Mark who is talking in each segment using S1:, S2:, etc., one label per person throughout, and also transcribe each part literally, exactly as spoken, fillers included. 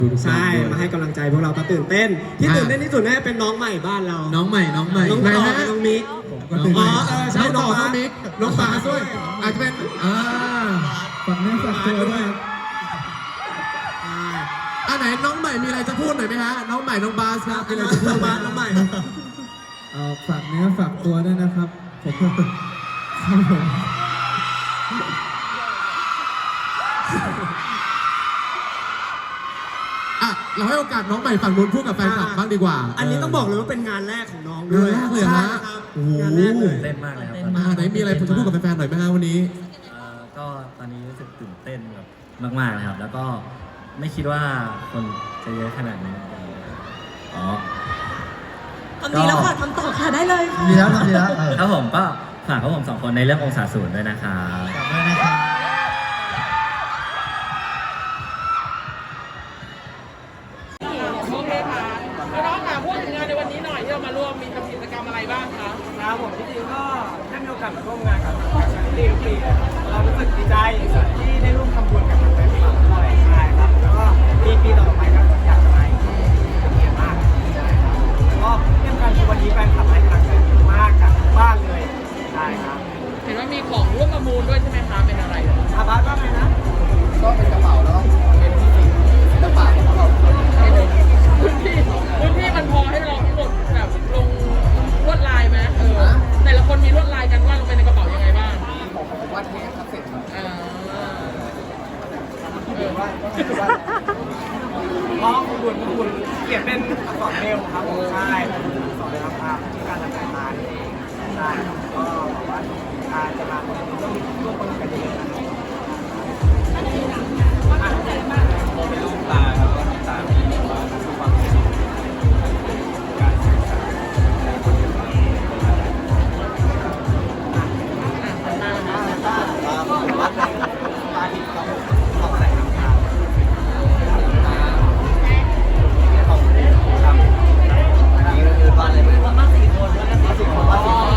S1: ใช่มาให้กำลังใจพวกเราก็ตื่นเต้นที่ตื่นเต้นที่สุดน่าจะเป็นน้องใหม่บ้านเรา
S2: น้องใหม่น้องใหม่
S1: น้องต่อน้องมิกอ๋อเออใช่น้องต่อน้องมิกน้องปาด้วยอาจจะเป็นอ่า
S2: ฝั่งนี้ฝั่งตัวด้วยครับ
S1: อ่าไหนน้องใหม่มีอะไรจะพูดหน่อยไหมฮะน้องใหม่น้องบาสครับมีอะไรจะพูดไหมน้องใหม่
S2: เอ่อฝากเนื้อฝากตัวด้วยนะครับผมครับผม
S1: อ่ะเราให้โอกาสน้องใหม่ฝั่งนู้นพูดกับแฟนคลับบ้างดีกว่าอันนี้ต้องบอกเลยว่าเป็นงานแรกของน้องด้วยงานแรกเลยฮะโอ้โห
S3: เต้นมากเลยครับ
S1: อ่าไหนมีอะไรจะพูดกับแฟนๆหน่อยไหมฮะวันนี้
S3: ก็ตอนนี้รู้สึกตื่นเต้นแบบมากๆนะครับแล้วก็ไม่คิดว่าคนจะเยอะขนาดนี้อ๋อ
S4: ทำดีแล้วค่ะทำต่อค่ะได้เลยค่ะ
S2: ดีแล้วทำดีแล้ว
S3: ครับผมก็ฝากพวกผมสองคนในเรื่ององศาศูนย์ด้วยนะครับ
S2: ฝากด้วยนะครับ
S5: โอเคค่ะแล้วน้องค่ะพูดถึงงานในวันนี้หน่อยที่เรามาร่วมมีทำกิจกรรมอะไรบ้างคะ
S6: ครับผมจริงๆก็ได้มีโอกาสมาร่วมงานกับทางชาริตี้ทุกปีเรารู้สึกดีใจที่ได้ร่วมทำบุญกับทางแฟนคลับด้วยใช่ครับแล้วก็ปีปีต่อไปก็อยากจะมาอีกเป็นเกียรติมากใช่ครับแล้วก็เรื่องการคือวันนี้แฟนคลับให้กำลังใจมากจากทุกบ้านเลยใช่ครับ
S5: เห็นว่ามีของร่วมประมูลด้วยใช่ไหมคะเป็นอะไร
S6: อาบาสว่าไงนะ
S2: ก็เป็นกระเป๋าแล้วเป็นสิ่งศิลปะของเรา
S5: พื้นที่พื้นที่มันพอให้เราทั้งหมดแบบลงลวดลายไหมเออแต่ละคนมีลวดลายกันว่าลงไปในกระเป๋ายังไงบ้าง
S2: ผมวาดเทปครับเสร็จครับ
S5: เออ
S6: เออว่าอ๋อคุณบุญคุณเขียนเป็นอักษรเมลครับผมใช่สอนเลยครับภาพที่การทำงานมาเองใช่ก็บอกว่าการจะมาร่วมร่วมกันเยอะนะครับเป็นลูกตาแล้วก็ตามีว่าทุกความการศึกษาและคนอื่นก็วัดตาที่เขาเขาใส่น้ำตาตาเขาทำอันนี้ก็คือบ้านอะไรบ้านมาสี่คนแล้วนะสี่คนบ้านสี่คน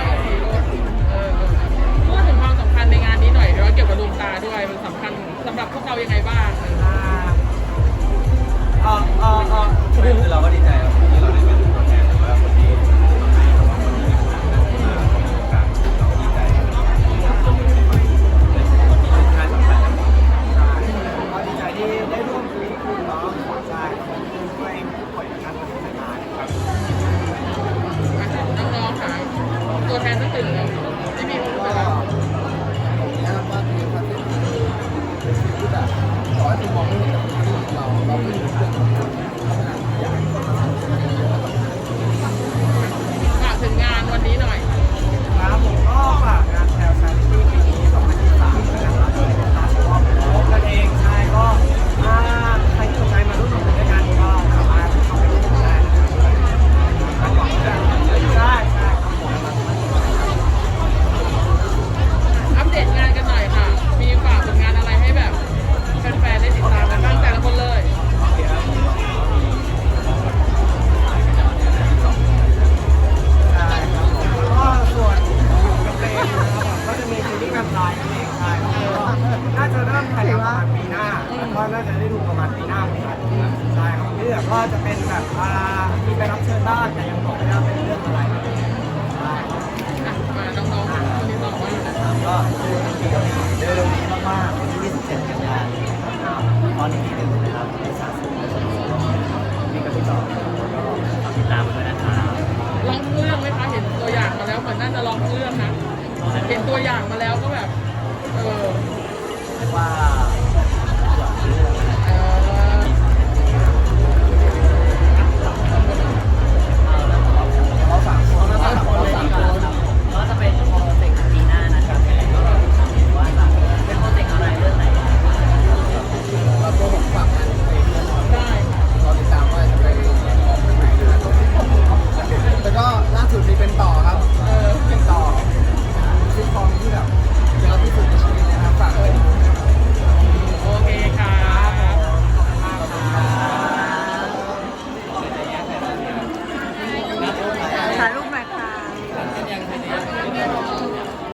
S5: พูดถึงความสำคัญในงานนี้หน่อยเดี๋ยวเกี่ยวกับดวงตาด้วยมันสำคัญสำหรับพวกเรายังไงบ้าง
S6: เออเออเออคือเราก็ดีใจครับที่เราได้เป็นตัวแทนหรือว่าคนที่ทำให้เราคนนี้มาของโอกาสเราดีใจคนที่เป็นคนที่ค่ายสำคัญใช่ก็ดีใจที่ได้ร่วมคุยคุณน้องใช่ช่วยปล่อยงานมาทำงานครับ
S5: น้องๆค่ะตัวแทนทั้งตื่นเลยที่มีคนไปแล้ว
S2: ว่าคือคอนเทนต์ที่แบบขอให้คุณมองไม่เห็นเราเราไม่รู้เรื่อง
S5: ฝากถึงงานวันนี้หน่อย
S6: ครับผมก็ฝากงานแถวชาริตี้ปีนี้สองพันยี่สิบสามนะครับโดยการชอบกันเองใช่ก็ถ้าใครสนใจมาร่วมทำบุญด้วยกันก็สามารถเข้าไปร่วมทำได้ใช่ใช่ครับผม
S5: อัปเดตงานกันหน่อยค่ะ มีฝากผลงานอะไรให้แบบแฟนๆได้ติดตามกันบ้างแต่ละคนเลย
S6: ก็ส่วนกับเพลงนะครับก็จะมีซีรีส์แบบไลน์นั่นเองใช่น่าจะเริ่มถ่ายทำประมาณปีหน้าก็น่าจะได้ดูประมาณปีหน้าเหมือนกันใช่ครับเรื่องก็จะเป็นแบบอ่ามีไปรับเชิญบ้างแต่ยังบอกไม่ได้เป็นเรื่องอะไรใช่
S5: มาน้องๆคนนี้บอกว่า
S6: ก็เร็วๆนี้มากๆวันที่ยี่สิบเจ็ดกันยายนตอนนี้ที่หนึ่งนะครับในสาสุมีกระตุ้นต่อ
S3: ติดตามด้วยนะครับ
S5: ลองเรื่องไหมคะเห็นตัวอย่างมาแล้วเหมือนน่าจะลองเรื่องนะเห็นตัวอย่างมาแล้วก็แ